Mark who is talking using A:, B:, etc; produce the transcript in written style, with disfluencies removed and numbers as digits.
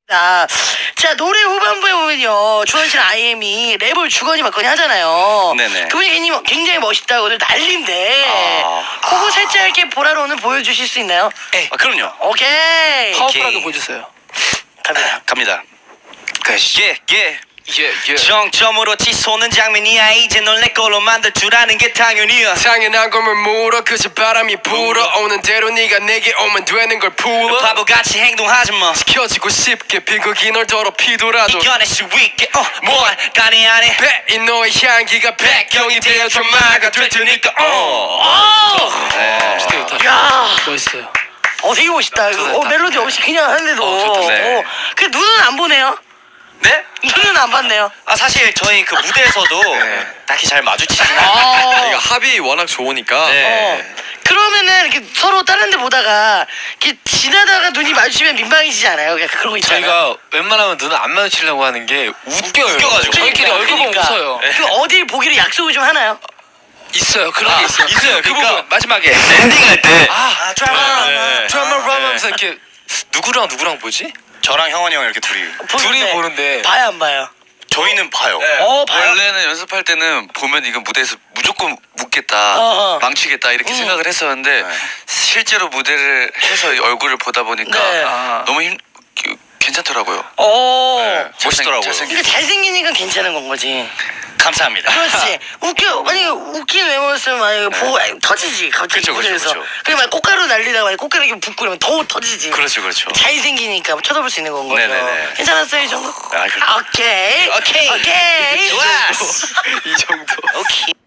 A: 자, 노래 후반부에 보면요, 주원 씨랑 IM이 랩을 주거니 받거니 하잖아요.
B: 네네.
A: 그분이 굉장히 멋있다고 오늘 난리인데, 그거 살짝 이렇게 보라로 오늘 보여주실 수 있나요?
B: 그럼요.
A: 오케이.
C: 파워풀하게 보여주세요.
B: 갑니다. 예.
C: 예.
B: 정점으로 치솟는 장면이야. 이제 널 내 걸로 만들 줄 아는 게 당연이야.
C: 당연한 걸 물어 그저 바람이 불어오는 대로 네가 내게 오면 되는 걸 풀어
B: 바보같이 행동하지 마.
C: 지켜지고 싶게 비극이 널 더럽히더라도
B: 이겨낼 수 있게 뭘 간에 안에
C: 배인 너의 향기가 백경이 되어줘 마가 될 테니까
A: 야,
C: 멋있어요.
A: 되게 멋있다. 멜로디 없이 그냥 하는데도.
B: 좋다. 네.
A: 그 눈은 안 보네요.
B: 네?
A: 눈은 안 봤네요.
B: 사실 저희 그 무대에서도 딱히 잘 마주치지
A: 아.
D: 합이 워낙 좋으니까
A: 그러면은 이렇게 서로 다른 데 보다가 이렇게 지나다가 눈이 마주치면 민망해지지 않아요? 약간 그런 거 있잖아요.
D: 저희가 웬만하면 눈을 안 마주치려고 하는 게 웃겨요.
B: 웃겨가지고.
C: 저희끼리 얼굴 보면 웃어요.
A: 그 어딜 보기로 약속을 좀 하나요?
C: 있어요. 그런 게 있어요.
B: 있어요.
C: 그
B: 그러니까
C: 부분 마지막에
B: 엔딩할 때
C: 드라마 하면서 이렇게 누구랑 보지?
B: 저랑 형원이 형 이렇게 둘이
C: 둘이 보는데
A: 봐요, 안 봐요?
B: 저희는 봐요.
A: 봐요?
D: 원래는 연습할 때는 보면 이거 무대에서 무조건 웃겠다, 망치겠다 이렇게 생각을 했었는데 실제로 무대를 해서 얼굴을 보다 보니까
A: 네.
D: 너무 괜찮더라고요.
B: 멋있더라고요.
A: 그러니까 잘생기니까 괜찮은 건 거지.
B: 감사합니다.
A: 그렇지. 만약에 웃긴 외모였으면 만약에 보고 터지지. 갑자기
B: 그쵸,
A: 무대에서.
B: 그쵸.
A: 그리고 막 꽃가루 날리다가 만약에 꽃가루 이렇게 붓고 이러면 더 터지지.
B: 그렇죠.
A: 잘생기니까 쳐다볼 수 있는 건 거죠.
B: 네네네.
A: 괜찮았어요, 이 정도?
B: 그렇죠.
A: 오케이.
B: 오케이.
A: 오케이.
B: 좋았어.
C: 이 정도.
A: 오케이.